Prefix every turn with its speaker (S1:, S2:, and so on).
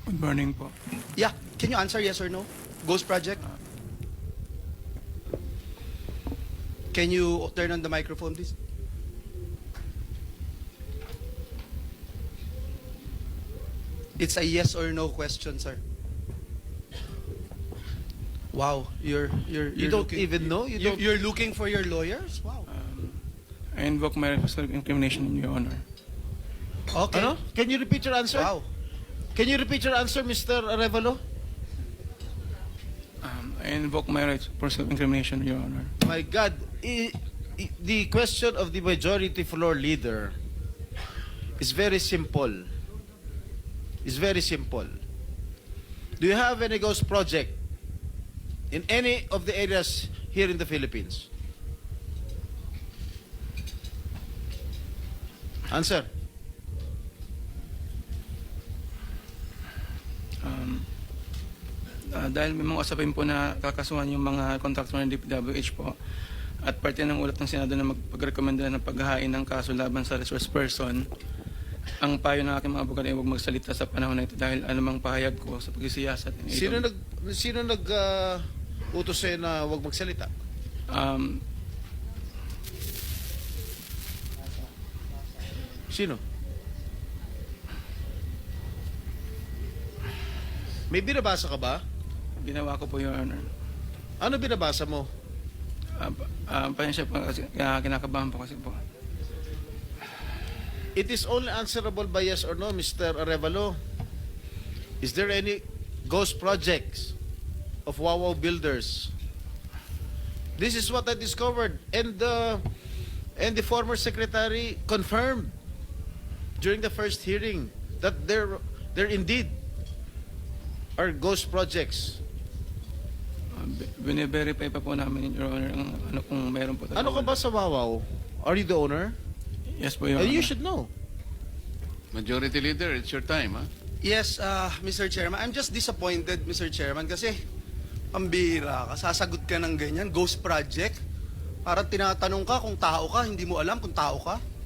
S1: Good morning po.
S2: Yeah, can you answer yes or no? Ghost Project? Can you turn on the microphone, please? It's a yes or no question, sir. Wow, you're
S3: You don't
S2: looking,
S3: even know? You don't.
S2: You're looking for your lawyers? Wow.
S1: I invoke my right of self-incrimination, Your Honor.
S2: Okay.
S3: Ano? Can you repeat your answer?
S2: Wow.
S3: Can you repeat your answer, Mr. Arevalo?
S1: I invoke my right for self-incrimination, Your Honor.
S3: My God, the question of the majority floor leader is very simple. It's very simple. Do you have any ghost project in any of the areas here in the Philippines? Answer.
S1: Dahil may mga usapin po na kakasuhan yung mga kontraktor ng DPWH po at parte ng ulat ng Senado na magpagrekomenda ng paghahain ng kaso laban sa resource person, ang payo ng aking mga abogado ay huwag magsalita sa panahon na ito dahil anumang pahayag ko sa pagsisiyasat.
S3: Sino nag utos sa'yo na huwag magsalita? Sino? May binabasa ka ba?
S1: Ginawa ko po, Your Honor.
S3: Ano binabasa mo?
S1: Pasensya po kasi kinakabahan po kasi po.
S3: It is only answerable by yes or no, Mr. Arevalo. Is there any ghost projects of Wawaw Builders? This is what I discovered, and the former secretary confirmed during the first hearing that there indeed are ghost projects.
S1: Bine-verify pa po namin, Your Honor, ang ano kung meron po.
S3: Ano ka ba sa Wawaw? Are you the owner?
S1: Yes po, Your Honor.
S3: You should know.
S4: Majority Leader, it's your time, ha?
S2: Yes, Mr. Chairman. I'm just disappointed, Mr. Chairman, kasi pambira ka, sasagot ka ng ganyan, ghost project. Parang tinatanong ka kung tao ka, hindi mo alam kung tao ka.